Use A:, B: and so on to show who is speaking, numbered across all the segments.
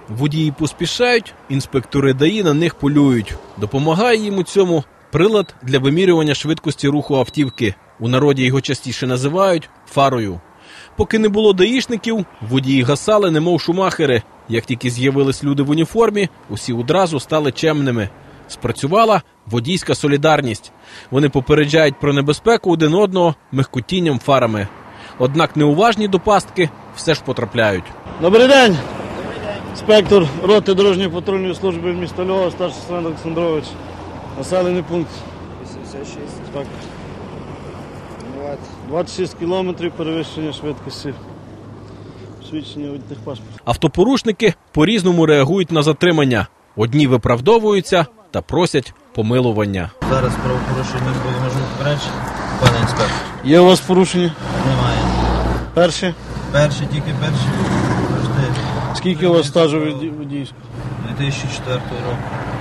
A: Водії поспішають, інспектори ДАІ на них полюють. Допомагає їм у цьому прилад для вимірювання швидкості руху автівки. У народі його частіше називають фарою. Поки не було даїшників, водії гасали, немов шумахери. Як тільки з'явились люди в уніформі, усі одразу стали чемними. Спрацювала водійська солідарність. Вони попереджають про небезпеку один одного михкотінням фарами. Однак неуважні до пастки все ж потрапляють.
B: Добрий день! Інспектор роти дорожньої патрульної служби міста Львова, старший сержант Олександрович. Населений пункт.
C: 86.
B: Інспектор.
C: 20.
B: 26 кілометрів перевищення швидкості. Свідчення від техпаспорту.
A: Автопорушники по-різному реагують на затримання. Одні виправдовуються та просять помилування.
C: Зараз правопорушення було можливо попередження, пане інспектор.
B: Є у вас порушення?
C: Немає.
B: Перші?
C: Тільки перші.
B: Скільки у вас стажу водійського?
C: 2004 року.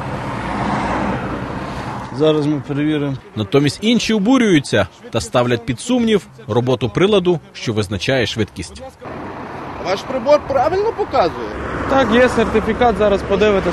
B: Зараз ми перевіримо.
A: Натомість інші обурюються та ставлять під сумнів роботу приладу, що визначає швидкість.
D: Ваш прибор правильно показує?
E: Так, є сертифікат, зараз подивитесь.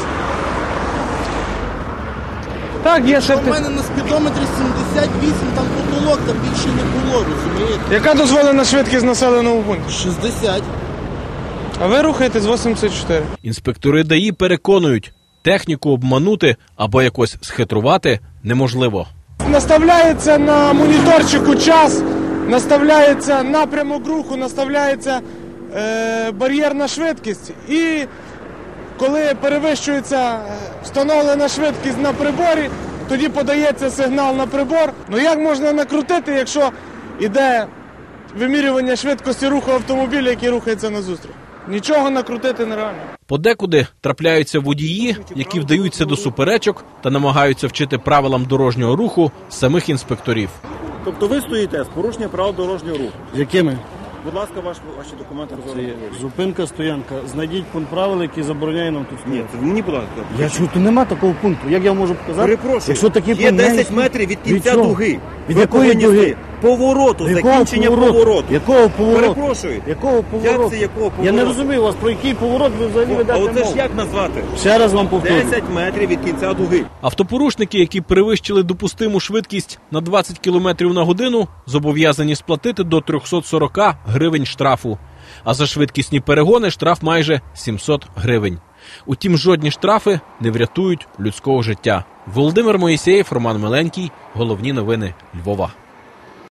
E: Так, є
D: У
E: сертифікат.
D: мене на спідометрі 78, там потолок, там більше не було, розумієте?
E: Яка дозволена швидкість населеного пункту?
D: 60.
E: А ви рухаєтесь 84.
A: Інспектори ДАІ переконують, техніку обманути або якось схитрувати неможливо.
E: Наставляється на моніторчику час, наставляється напрямок руху, наставляється бар'єрна швидкість. І коли перевищується встановлена швидкість на приборі, тоді подається сигнал на прибор. Ну як можна накрутити, якщо йде вимірювання швидкості руху автомобіля, який рухається назустріч? Нічого накрутити нереально.
A: Подекуди трапляються водії, які вдаються до суперечок та намагаються вчити правилам дорожнього руху самих інспекторів.
F: Тобто ви стоїте з порушення правил дорожнього руху.
B: Якими?
F: Будь ласка, ваші документи розглядають.
B: Зупинка, стоянка. Знайдіть пункт правил, який забороняє нам тут стояти.
F: Ні, мені, будь ласка.
B: Я чую, тут нема такого пункту. Як я можу показати?
F: Перепрошую,
B: Якщо такий
F: є
B: пункт
F: 10 метрів від кінця
B: чого?
F: дуги.
B: Від
F: Ви
B: якої
F: повинні
B: дуги?
F: стояти. Повороту,
B: Якого
F: закінчення повороту.
B: Якого повороту?
F: Перепрошую.
B: Якого повороту?
F: Як це якого повороту?
B: Я не розумію вас, про який поворот ви взагалі
F: А
B: ведете
F: оце ж
B: мову.
F: як назвати?
B: Ще раз вам повторюю.
F: 10 метрів від кінця дуги.
A: Автопорушники, які перевищили допустиму швидкість на 20 км на годину, зобов'язані сплатити до 340 гривень штрафу. А за швидкісні перегони штраф майже 700 гривень. Утім, жодні штрафи не врятують людського життя. Володимир Моїсеєв, Роман Миленький. Головні новини Львова.